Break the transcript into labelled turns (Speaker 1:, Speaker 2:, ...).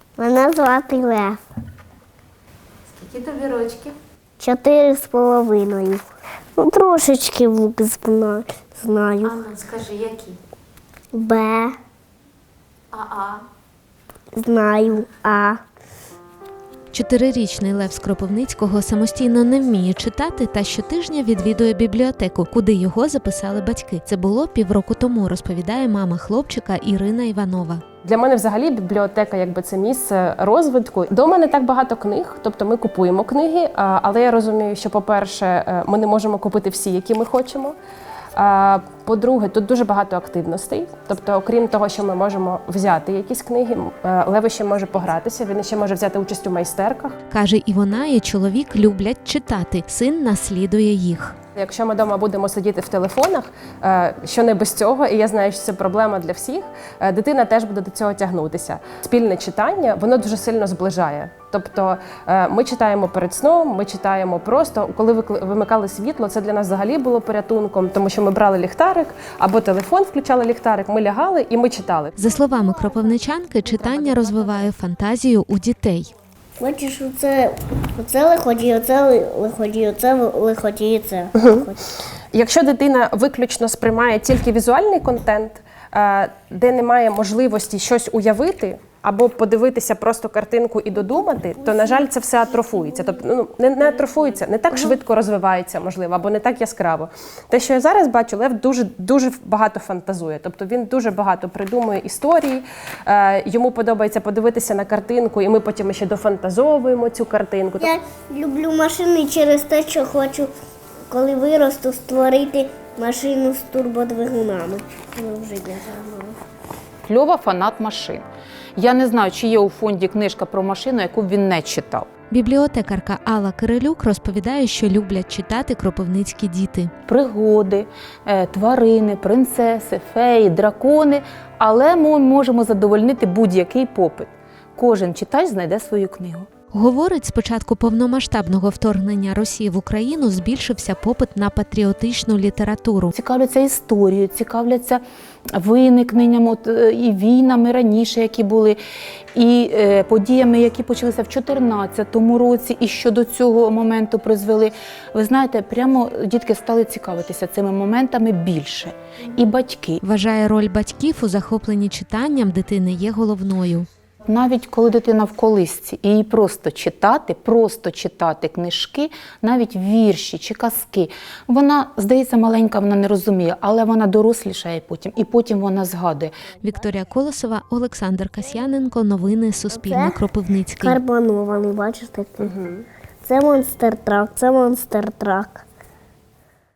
Speaker 1: Мене звати Лев.
Speaker 2: Скільки тобі рочків?
Speaker 1: 4,5. Ну, трошечки звук знаю.
Speaker 2: Ану, скажи, які?
Speaker 1: Б,
Speaker 2: А.
Speaker 1: знаю, А.
Speaker 3: 4-річний Лев з Кропивницького самостійно не вміє читати та щотижня відвідує бібліотеку, куди його записали батьки. Це було півроку тому, розповідає мама хлопчика Ірина Іванова.
Speaker 4: Для мене взагалі бібліотека це місце розвитку. Дома не так багато книг, тобто ми купуємо книги, але я розумію, що, по-перше, ми не можемо купити всі, які ми хочемо. По-друге, тут дуже багато активностей. Тобто, окрім того, що ми можемо взяти якісь книги, Лев ще може погратися, він ще може взяти участь у майстерках.
Speaker 3: Каже, і вона, і чоловік люблять читати. Син наслідує їх.
Speaker 4: Якщо ми вдома будемо сидіти в телефонах, що не без цього, і я знаю, що це проблема для всих, дитина теж буде до цього тягнутися. Спільне читання, воно дуже сильно зближає. Тобто ми читаємо перед сном, ми читаємо просто, коли вимикали світло, це для нас взагалі було порятунком, тому що ми брали ліхтарик або телефон, включали ліхтарик, ми лягали і ми читали.
Speaker 3: За словами кропивничанки, читання розвиває фантазію у дітей.
Speaker 1: Бачиш, оце лиходій, оце лиходій, оце лиходій, і це.
Speaker 4: Якщо дитина виключно сприймає тільки візуальний контент, де немає можливості щось уявити, або подивитися просто картинку і додумати, то, на жаль, це все атрофується. Тобто, не атрофується, не так швидко розвивається, можливо, або не так яскраво. Те, що я зараз бачу, Лев дуже багато фантазує. Тобто він дуже багато придумує історії, йому подобається подивитися на картинку, і ми потім ще дофантазовуємо цю картинку.
Speaker 1: Я люблю машини через те, що хочу, коли виросту, створити машину з турбодвигунами. Вже не знаю.
Speaker 2: Льова фанат машин. Я не знаю, чи є у фонді книжка про машину, яку б він не читав.
Speaker 3: Бібліотекарка Алла Кирилюк розповідає, що люблять читати кропивницькі діти.
Speaker 2: Пригоди, тварини, принцеси, феї, дракони. Але ми можемо задовольнити будь-який попит. Кожен читач знайде свою книгу.
Speaker 3: Говорить, з початку повномасштабного вторгнення Росії в Україну збільшився попит на патріотичну літературу.
Speaker 2: Цікавляться історією, цікавляться виникненням і війнами раніше, які були, і подіями, які почалися в 2014 році, і що до цього моменту призвели. Ви знаєте, прямо дітки стали цікавитися цими моментами більше. І батьки.
Speaker 3: Вважає, роль батьків у захопленні читанням дитини є головною.
Speaker 2: Навіть коли дитина в колисці, і їй просто читати книжки, навіть вірші чи казки. Вона, здається, маленька, вона не розуміє, але вона дорослішає потім, і потім вона згадує.
Speaker 3: Вікторія Колосова, Олександр Касьяненко. Новини Суспільне. Кропивницький.
Speaker 1: Карбонований, бачиш такий? Це монстр-трак, це монстр-трак.